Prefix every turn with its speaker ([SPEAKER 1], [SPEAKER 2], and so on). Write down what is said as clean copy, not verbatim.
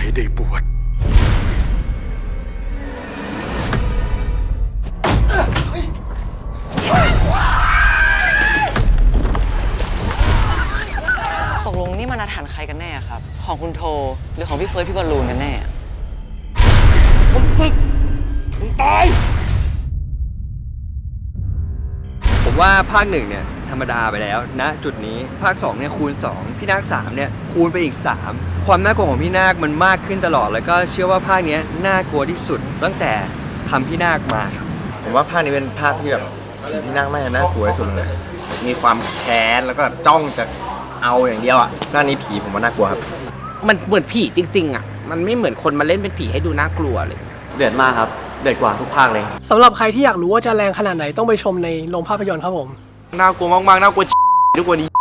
[SPEAKER 1] ให้ได้บวช
[SPEAKER 2] ตกลงนี่มันอาถรรพ์ใครกันแน่ครับของคุณโทหรือของพี่เฟิร์สพี่บอลลูนกันแน่
[SPEAKER 1] มึงศึกมึงตาย
[SPEAKER 3] ผมว่าภาค1เนี่ยธรรมดาไปแล้วณจุดนี้ภาค2เนี่ยคูณ2พี่นาค3เนี่ยคูณไปอีก3ความน่ากลัวของพี่นาคมันมากขึ้นตลอดแล้วก็เชื่อว่าภาคนี้น่ากลัวที่สุดตั้งแต่ทำพี่นาคมาครับ
[SPEAKER 4] ผมว่าภาคนี้เป็นภาคที่แบบผีที่นั่งไม่น่ากลัวที่สุดเลยมีความแค้นแล้วก็จ้องจะเอาอย่างเดียวอ่ะภาคนี้ผีผมว่าน่ากลัวครับ
[SPEAKER 5] มันเหมือนผีจริงๆอ่ะมันไม่เหมือนคนมาเล่นเป็นผีให้ดูน่ากลัวเลย
[SPEAKER 3] เดือดมากครับเดือดกว่าทุกภาคเลย
[SPEAKER 6] สำหรับใครที่อยากรู้ว่าจะแรงขนาดไหนต้องไปชมในโรงภาพยนตร์ครับผม
[SPEAKER 4] น่ากลัวมากๆน่ากลัวทุกวันนี้